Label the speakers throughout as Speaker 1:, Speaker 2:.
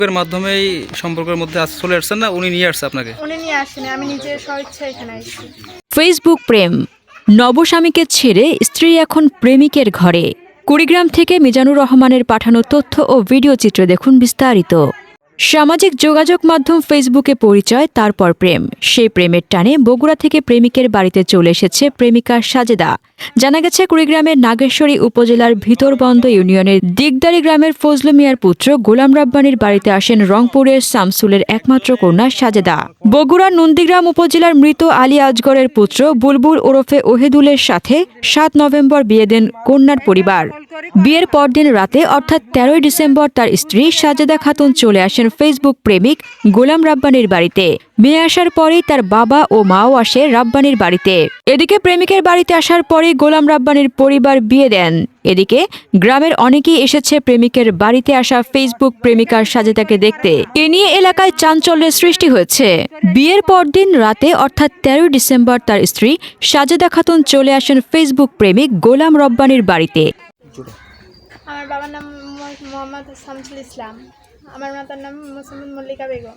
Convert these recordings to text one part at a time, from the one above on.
Speaker 1: এর মাধ্যমেই সম্পর্কের মধ্যে চলে আসছেন না উনি নিয়ে আসছে আপনাকে?
Speaker 2: উনি নিয়ে আসেনি, আমি নিজের স্বইচ্ছায় এখানে আসছি।
Speaker 3: ফেসবুক প্রেম, নবস্বামীকে ছেড়ে স্ত্রী এখন প্রেমিকের ঘরে। কুড়িগ্রাম থেকে মিজানুর রহমানের পাঠানো তথ্য ও ভিডিও চিত্র দেখুন বিস্তারিত। সামাজিক যোগাযোগ মাধ্যম ফেসবুকে পরিচয়, তারপর প্রেম। সেই প্রেমের টানে বগুড়া থেকে প্রেমিকের বাড়িতে চলে এসেছে প্রেমিকা সাজেদা। জানা গেছে কুড়িগ্রামের নাগেশ্বরী উপজেলার ভিতরবন্দ ইউনিয়নের দিগদারি গ্রামের ফজলু মিয়ার পুত্র গোলাম রাব্বানীর বাড়িতে আসেন রংপুরের শামসুলের একমাত্র কন্যা সাজেদা। বগুড়ার নন্দীগ্রাম উপজেলার মৃত আলী আজগরের পুত্র বুলবুল ওরফে ওহেদুলের সাথে ৭ নভেম্বর বিয়ে দেন কন্যার পরিবার। বিয়ের পরদিন রাতে অর্থাৎ ১৩ ডিসেম্বর তার স্ত্রী সাজেদা খাতুন চলে আসেন ফেসবুক প্রেমিক গোলাম রাব্বানীর বাড়িতে। মেয়ে আসার পরেই তার বাবা ও মাও আসে রাব্বানীর বাড়িতে। এদিকে প্রেমিকের বাড়িতে আসার পরেই গোলাম রাব্বানীর পরিবার বিয়ে দেন। এদিকে গ্রামের অনেকেই এসেছে প্রেমিকের বাড়িতে আসা ফেসবুক প্রেমিকা সাজেদাকে দেখতে। এ নিয়ে এলাকায় চাঞ্চল্যের সৃষ্টি হয়েছে। বিয়ের পরদিন রাতে অর্থাৎ ১৩ ডিসেম্বর তার স্ত্রী সাজেদা খাতুন চলে আসেন ফেসবুক প্রেমিক গোলাম রাব্বানীর বাড়িতে।
Speaker 2: আমার বাবার নাম মোহাম্মদ শামসুল ইসলাম, আমার মাতার নাম মোসাম্মদ মল্লিকা বেগম,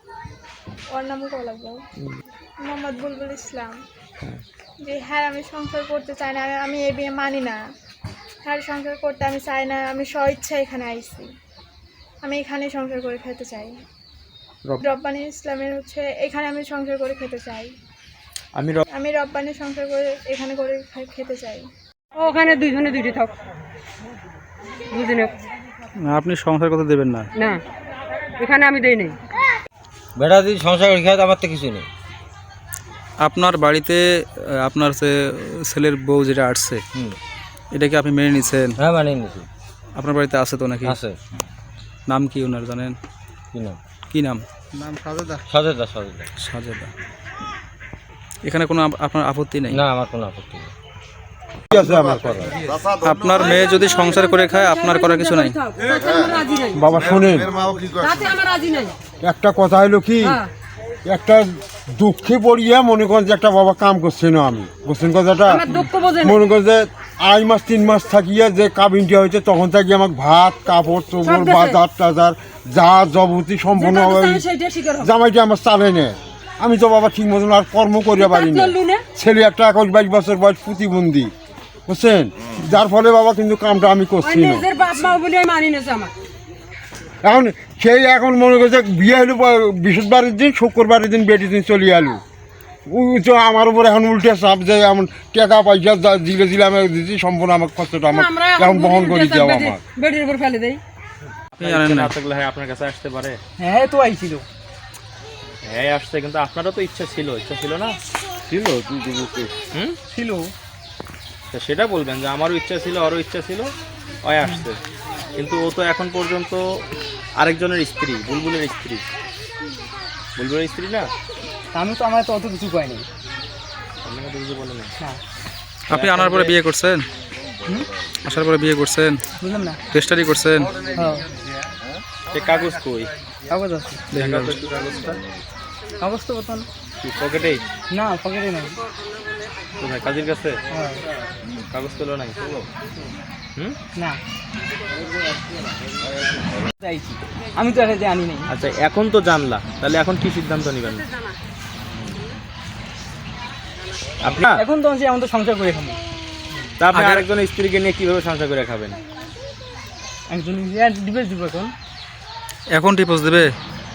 Speaker 2: ওর নামও কল লাগবো মোহাম্মদ বুলবুল ইসলাম। যে হ্যাঁ আমি সংসার করতে চাই না, আমি এই বিয়ে মানি না, হ্যাঁ সংসার করতে আমি চাই না, আমি স্বইচ্ছা এখানে আইছি, আমি এখানে সংসার করে খেতে চাই। রব্বানী ইসলামের এখানে আমি সংসার করে খেতে চাই, আমি রব্বানী সংসার করে এখানে করে খেতে চাই।
Speaker 4: ওখানে দুইজনে দুইটি থাক, দুজনে।
Speaker 1: আপনি সংসার করতে দেবেন না?
Speaker 4: না, এখানে আমি দেই নাই।
Speaker 5: বেটা যদি সংসার করে খায় আমার তো কিছু নেই।
Speaker 1: আপনার বাড়িতে আপনার ছেলের বউ যেটা আসছে এটা কি আপনি মেনে নিচ্ছেন?
Speaker 5: হ্যাঁ মানে নিছি।
Speaker 1: আপনার বাড়িতে আছে তো নাকি?
Speaker 5: আছে।
Speaker 1: নাম কি ওনার জানেন?
Speaker 5: কি নাম?
Speaker 1: কি নাম?
Speaker 5: সাজেদা। সাজেদা।
Speaker 1: সাজেদা। এখানে কোনো আপনার আপত্তি নেই?
Speaker 5: না, আমার কোনো আপত্তি নেই।
Speaker 1: আপনার মেয়ে যদি সংসার করে খায় আপনার করার কিছু নাই?
Speaker 6: বাবা শোনেন, একটা কথা হলো কি, একটা দুঃখে পড়িয়া মনে করেন যে একটা বাবা কাম করছে না, আমি বুঝছেন কথাটা, মনে করেন যে ২.৫ মাস ৩ মাস থাকিয়া যে কাবিনটা হয়েছে তখন থাকি আমাকে ভাত কাপড় চোপড় বাজার টাজার যা যাবতীয় সম্পূর্ণ জামাইটা আমার চালে নেয়। আমি তো বাবা ঠিক মতন আর কর্ম করিয়া পারি না। ছেলে একটা ২১-২২ বছর বয়স প্রতিবন্ধী, বুঝছেন, যার ফলে বাবা কিন্তু কামটা আমি করছি না। এখন সেই এখন মনে করছে বিয়ে হলো বৃহস্পতিবারের দিন, শুক্রবারের দিন বেটির দিন চলে এলো। আমার উপর এখন উল্টে চাপ যে এমন টাকা পয়সা দিলে আমি দিচ্ছি, সম্পূর্ণ আমার খরচটা আমার এখন বহন করে দেওয়া আমার।
Speaker 4: বেটির উপর ফেলে দেই।
Speaker 7: হ্যাঁ আপনার কাছে আসতে পারে?
Speaker 4: হ্যাঁ তো আইছিল।
Speaker 7: হ্যাঁ আসছে, কিন্তু আপনারও তো ইচ্ছা ছিল না?
Speaker 5: ছিল
Speaker 7: ছিল। সেটা বলবেন যে আমারও ইচ্ছা ছিল, ওরও ইচ্ছা ছিল, ওই আসছে। কিন্তু ও তো এখন পর্যন্ত আরেকজনের স্ত্রী, বুলবুলের স্ত্রী। বুলবুলের স্ত্রী না?
Speaker 4: আমি তো আমার তো অত কিছু পাইনি।
Speaker 7: আপনাকে তো কিছু বলে না।
Speaker 1: আপনি আনার পরে বিয়ে করছেন? আসার পরে বিয়ে করছেন?
Speaker 4: বুঝলাম না।
Speaker 1: রেজিস্ট্রি করছেন?
Speaker 4: হ্যাঁ।
Speaker 7: সে কাগজ কই?
Speaker 4: কাগজ আছে।
Speaker 7: দেখা তো একটু কাগজটা।
Speaker 4: কাগজ তো বর্তমান
Speaker 7: কি পকেটেই?
Speaker 4: না, পকেটে নাই।
Speaker 7: কোথায়? কাজের কাছে?
Speaker 4: হ্যাঁ।
Speaker 7: কাগজ পেলো নাই?
Speaker 4: না, আমি তো এটা জানি নাই।
Speaker 7: আচ্ছা, এখন তো জানলা, তাহলে এখন কি সিদ্ধান্ত নেবেন আপনার?
Speaker 4: এখন তো আমি আমাদের সংসার করে খাবো।
Speaker 7: তা আপনি আরেকজনের স্ত্রীকে নিয়ে কিভাবে সংসার করে খাবেন?
Speaker 4: একজন ডিভোর্স দিব।
Speaker 1: এখন ডিভোর্স দেবে?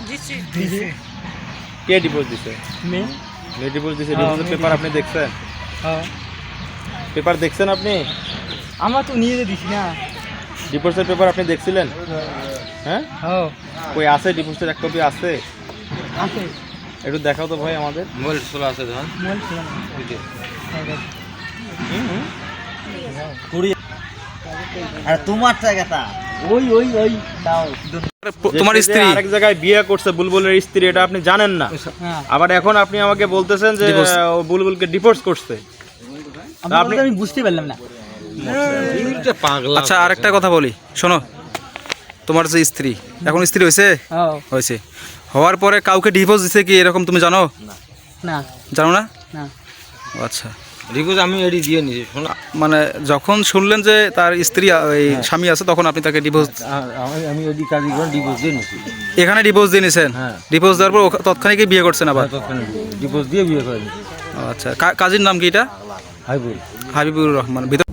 Speaker 7: কে ডিভোর্স দিছে? মেয়ে ডিভোর্স দিছে। ডিভোর্সের পেপার আপনি দেখছেন?
Speaker 4: হ্যাঁ।
Speaker 7: পেপার দেখছেন আপনি?
Speaker 4: আমরা তো নিয়ে দিছি না।
Speaker 7: ডিভোর্সের পেপার আপনি দেখছিলেন? হ্যাঁ।
Speaker 4: হ্যাঁ।
Speaker 7: কই আছে? ডিভোর্সের এক কপি আছে?
Speaker 4: আছে।
Speaker 7: একটু দেখাও তো ভাই আমাদের।
Speaker 5: মোবাইল চলা আছে ধর।
Speaker 4: মোবাইল ছিল না।
Speaker 5: আর তোমার জায়গাটা ওই দাও।
Speaker 1: তোমার স্ত্রী
Speaker 7: আরেক জায়গায় বিয়ে করছে, বুলবুলের স্ত্রী, এটা আপনি জানেন না? আবার এখন আপনি আমাকে বলতেছেন যে ও বুলবুলকে ডিভোর্স করছে।
Speaker 4: আমি বুঝতে পারলাম না।
Speaker 1: আচ্ছা, আরেকটা কথা বলি, শোনো। তোমার যে স্ত্রী, এখন স্ত্রী হয়েছে, হওয়ার পরে কাউকে ডিভোর্স দিছে কি এরকম তুমি জানো?
Speaker 4: না।
Speaker 1: জানো না?
Speaker 4: না।
Speaker 1: আচ্ছা,
Speaker 5: ডিভোর্স আমি এডি দিয়ে নিয়েছি শোনা।
Speaker 1: মানে যখন শুনলেন যে তার স্ত্রী এই স্বামী আছে তখন আপনি তাকে ডিভোর্স
Speaker 5: আমি এডি কাজী করে ডিভোর্স দিয়ে নিয়েছি।
Speaker 1: এখানে ডিভোর্স দিয়ে নিছেন?
Speaker 5: হ্যাঁ।
Speaker 1: ডিভোর্স দেওয়ার পর তৎক্ষণিকই বিয়ে করছেন আবার?
Speaker 5: ডিভোর্স দিয়ে বিয়ে করে নিয়েছি।
Speaker 1: আচ্ছা, কাজীর নাম কি এটা?
Speaker 5: হাইবুল।
Speaker 1: হাবিবুর রহমান। ভিতর